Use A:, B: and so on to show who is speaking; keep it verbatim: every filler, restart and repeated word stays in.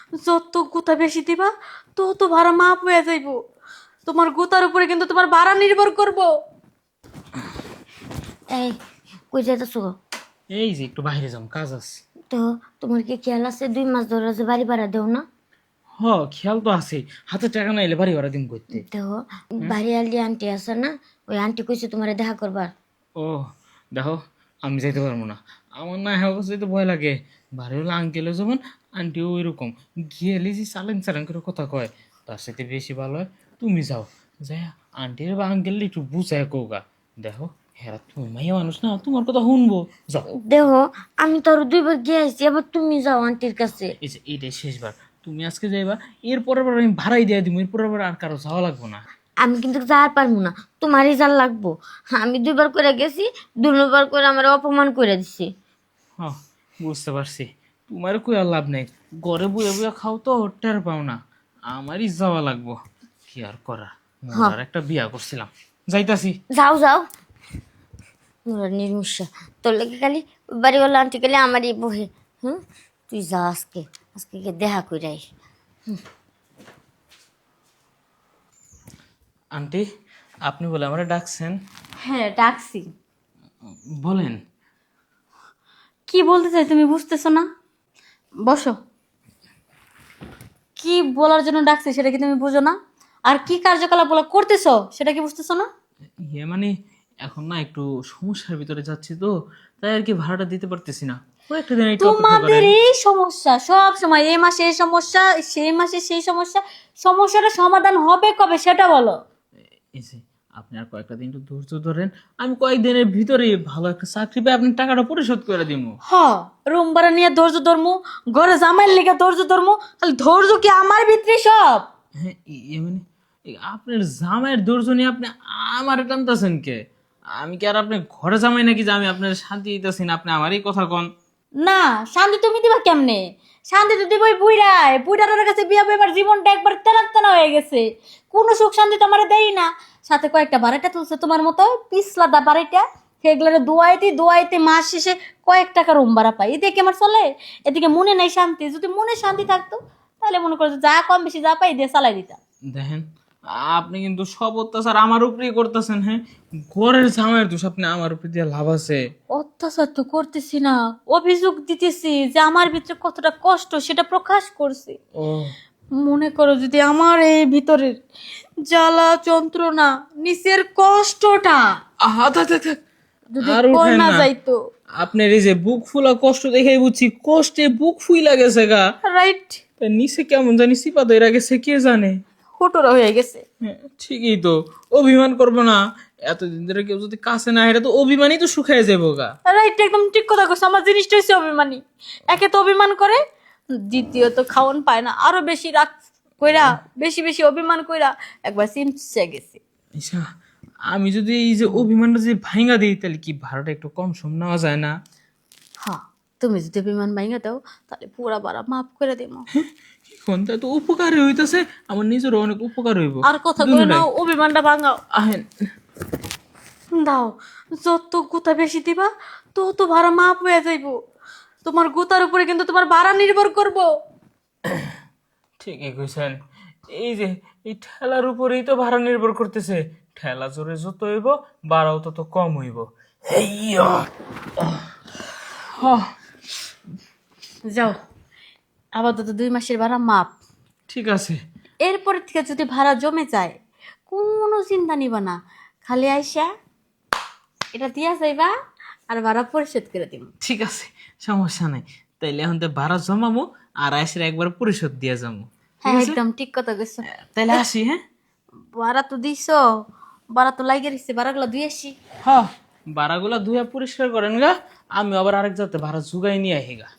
A: যত গুতা বেশি দিবা তত ভাড়া মাপ হয়ে যাইব। তোমার গুতার উপরে কিন্তু তোমার ভাড়া নির্ভর করব।
B: এই কই যাইতেছো?
C: এই যে একটু বাইরে যাম, কাজ আছে।
B: তো তোমার কি খেয়াল আছে দুই মাস ধরে যে বাড়ি ভাড়া দেও না?
C: হ, খেয়াল তো আছে, হাতে টাকা না এলে বাড়ি ভাড়া দিন করতে।
B: তো বাড়ি আলি আন্টি আছে না, ওই আন্টি কইছে তোমারে দেখা করবার।
C: ও দেখো, আমি যাইতে পারবো না, আমার না হ্যাঁ যেতে ভয় লাগে। বাড়ি হলো আঙ্কেলও যেমন, আন্টিও ওই রকম। গেলে যে চালান চালান করে কথা কয়, তার সাথে বেশি ভালো হয় তুমি যাও, যাই আন্টির বা আঙ্কেল একটু বুঝায় কৌগা। দেখো হ্যাঁ, তুমি মাইয়া মানুষ না, তোমার কথা শুনবো, যাও।
B: দেখো আমি তো আরো দুইবার গিয়ে আসছি, আবার তুমি যাও আন্টির কাছে।
C: এই যে এইটাই শেষবার, তুমি আজকে যাইবা, এর পরের বার আমি ভাড়াই দিয়ে দিব, এর পরের বার আর কারো যাওয়া লাগবো না।
B: আমি কিন্তু যাওয়ার পারবো না, তোমারই যার লাগবো। আমি দুইবার করে গেছি, দুবার করে আমার অপমান করে দিছি।
C: হ্যাঁ বুঝতে পারছি, তোমার কই আর লাভ নেই, ঘরে বইয়া বইয়া খাও তো টের পাও না, আমারই যাওয়া লাগবো, কি আর করা, মজার একটা বিয়া করছিলাম, যাইতাছি।
B: যাও যাও নির্মুষা, তোর লেগে খালি বাড়িওয়ালা আন্টি গেলে আমারই বহে। হুম, তুই যা আজকে, আজকে গিয়ে দেখা কইরাই।
C: আন্টি, আপনি বলে আমারে ডাকছেন?
A: হ্যাঁ ডাকছি।
C: বলেন।
A: কি বলতে চাই তুমি বুঝতেছো না? বসো। কি বলার জন্য ডাকছি সেটা কি তুমি বুঝো না? আর কি কার্যকলাপ বলা করতেছো সেটা কি বুঝতেছো না?
C: ইয়ে মানে এখন না একটু সমস্যার ভিতরে যাচ্ছি তো, তাই আর কি ভাড়াটা দিতে পারতেছি না, কয়েকটা দিন একটু অপেক্ষা
A: তোমাদের
C: করেন।
A: এই সমস্যা সব সময়, এই মাসে এই সমস্যা, সেই মাসে সেই সমস্যা। সমস্যাটা সমাধান হবে কবে সেটা বলো।
C: এই যে আপনি আর কয়েকটা দিন একটু ধৈর্য ধরেন, আমি কয়েকদিনের ভিতরে ভালো একটা চাকরি পেয়ে আপনার টাকাটা পরিশোধ করে দিব।
A: হ, রুম ভাড়া নিয়ে ধৈর্য ধর্মু, ঘরে জামাইয়ের লেগে ধৈর্য ধর্মু, তাহলে ধৈর্য কি আমার ভিতরে সব?
C: হ্যাঁ ই- ইয়ে মানে এই আপনার জামাইয়ের ধৈর্য নিয়ে আপনি আমার টানতেছেন কে? আমি কি আর আপনার ঘরে জামাই নাকি যে আমি আপনার শান্তি দিতেছি না, আপনি আমারই কথা কন।
A: না, শান্তি তুমি দিবা কেমনে? শান্তি তো দিবই বুইড়ায়, বুইড়াটার কাছে বিয়া এবার জীবনটা একবার তেনা তেনা হয়ে গেছে। কোনো সুখ শান্তি তো আমার দেই না। সাথে কয়েকটা বাড়াইটা তুলছে তোমার মতো পিছলাদা বাড়াইটা, সেগুলো দোয়াইতে দোয়াইতে মাস শেষে কয়েক টাকা রুম ভাড়া পাই, এদিকে কি আমার চলে? এদিকে মনে নেই শান্তি। যদি মনে শান্তি থাকতো তাহলে মনে করো যে যা কম বেশি যা পাই দিয়ে চালাই দিতাম।
C: দেখেন, আপনি কিন্তু সব অত্যাচার আমার উপরেই করতেছেন। হ্যাঁ, ঘরের জামাইয়ের দোষ আপনি আমার উপরে দিয়ে লাভ আছে?
A: অত্যাচার তো করতেছি না, অভিযোগ দিতেছি যে আমার ভিতরে কতটা কষ্ট সেটা প্রকাশ করছি।
C: ও
A: মনে করো যদি আমার এই ভিতরের জ্বালা যন্ত্রণা, নিচের কষ্টটা
C: আহা থাক থাক থাক,
A: যদি
C: আর
A: কর
C: উঠেন
A: না
C: না।
A: যাইতো।
C: আপনার এই যে বুক ফুলা কষ্ট দেখেই বুঝছি কষ্টে বুক ফুইলা গেছে গা।
A: রাইট,
C: তা নিচে কেমন জানি চিপা ধরে গেছে কে জানে।
A: হুটুরা হয়ে গেছে।
C: হ্যাঁ ঠিকই তো, অভিমান করবো না। এতদিন ধরে কেউ যদি কাছে না এটা তো অভিমানই তো শুকায় যাবো গা।
A: রাইট, একদম ঠিক কথা কইছো। আমার জিনিসটা হচ্ছে অভিমানী। একে তো অভিমান করে, দ্বিতীয়ত খাওয়ান পায় না, আরো বেশি রাগ কইরা, বেশি বেশি অভিমান কইরা একবার চিমচে গেছে।
C: আচ্ছা, আমি যদি এই যে অভিমানটা যদি ভাঙা দিই তাহলে কি ভাড়াটা একটু কম সম নেওয়া যায় না?
A: হ্যাঁ, তুমি যদি অভিমান ভাঙা দাও তাহলে পুরা বারা মাফ করে দেবো।
C: এখন তা তো উপকার হইতেছে, আমার নিজেরও অনেক উপকার হইব।
A: আর কথা কই নাও, অভিমানটা ভাঙাও।
C: আহেন।
A: দাও, যত গুতা বেশি দিবা তত ভাড়া মাপ হয়ে যাইব। তোমার গুতার উপরে কিন্তু তোমার ভাড়া নির্ভর করব।
C: ঠিকই কইছেন, এই যে এই ঠেলার উপরেই তো ভাড়া নির্ভর করতেছে, ঠেলা জোরে যত হইব ভাড়াও তত কম হইব। হেইয়া আহ,
A: যাও, আপাতত দুই মাসের ভাড়া মাপ।
C: ঠিক আছে।
A: এরপরে থেকে যদি ভাড়া জমে যায় কোনো চিন্তা নিবা না, খালি আইসা এটা দিয়া যাইবা আর ভাড়া পরিশোধ করে দিব।
C: ঠিক আছে, সমস্যা নাই। তাইলে এখন তো ভাড়া জমাবো আর আসলে একবার পরিশোধ দিয়ে যাবো।
A: হ্যাঁ একদম ঠিক কথা কইছো।
C: তাইলে আসি। হ্যাঁ
A: ভাড়া তো দিছো, ভাড়া তো লাগে রইছে, ভাড়াগুলো দুই আসি।
C: হ্যাঁ, ভাড়াগুলা ধুয়া পরিষ্কার করেন গা, আমি আবার আরেক যাতে ভাড়া জুগাই নিয়ে আহি গা।